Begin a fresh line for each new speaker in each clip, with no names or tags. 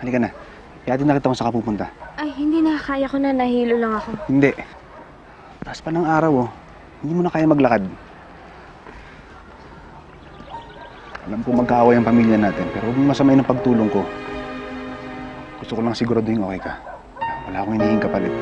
Halika na. Ihatid na kita kung saan ka pupunta.
Ay, hindi na. Kaya ko na. Nahilo lang ako.
Hindi. Taas pa ng araw, oh. Hindi mo na kaya maglakad. Alam ko magkaaway ang pamilya natin, pero huwag mong masamay ng pagtulong ko. Gusto ko lang siguraduhin okay ka. Wala akong hinihing kapalit.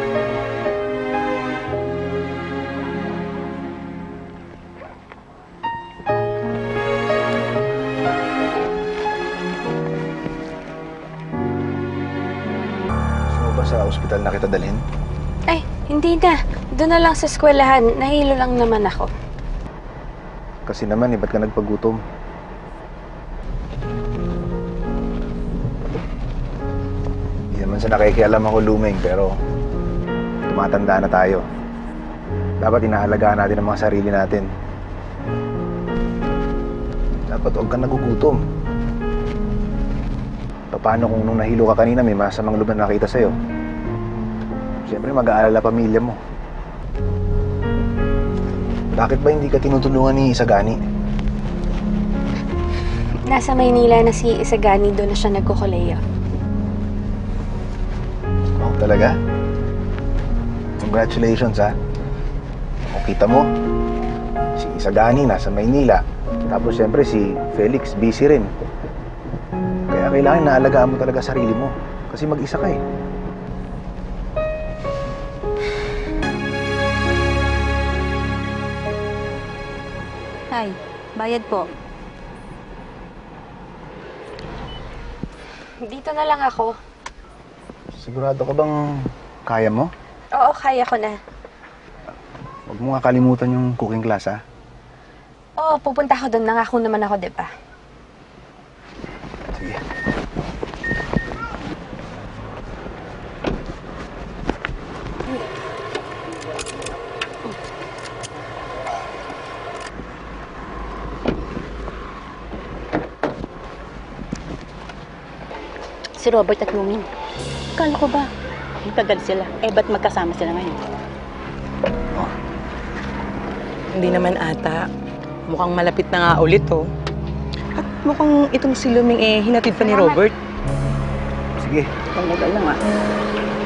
Sa ospital na kita dalhin?
Ay, hindi na. Doon na lang sa eskwelahan. Nahilo lang naman ako.
Kasi naman, ba't ka nagpagutom? Hindi naman sa nakikialam ako, Lumeng, pero tumatanda na tayo. Dapat inaalagaan natin ang mga sarili natin. Dapat huwag kang nagugutom. Paano kung nung nahilo ka kanina, may masamang loob na nakita sa'yo? Siyempre, mag-aalala pamilya mo. Bakit ba hindi ka tinutulungan ni Isagani?
Nasa Maynila na si Isagani. Doon na siya nagkukuleyo.
Oh, talaga? Congratulations, ha? O, kita mo, si Isagani nasa Maynila. Tapos, siyempre, si Felix busy rin. Kaya kailangan naalagaan mo talaga sarili mo. Kasi mag-isa ka, eh.
Ay, bayad po.
Dito na lang ako.
Sigurado ka bang kaya mo?
Oo, kaya ko na.
Huwag mo nga kalimutan yung cooking class, ha?
Oo, pupunta ako doon. Nangako naman ako, di ba?
Sige.
Si Robert at Luming. Akala ko ba, ang tagal sila. Eh, ba't magkasama sila ngayon?
Oh.
Hindi naman ata. Mukhang malapit na nga ulit, oh. At mukhang itong si Luming, hinatid pa ni Robert.
Sige.
Talaga lang, ah.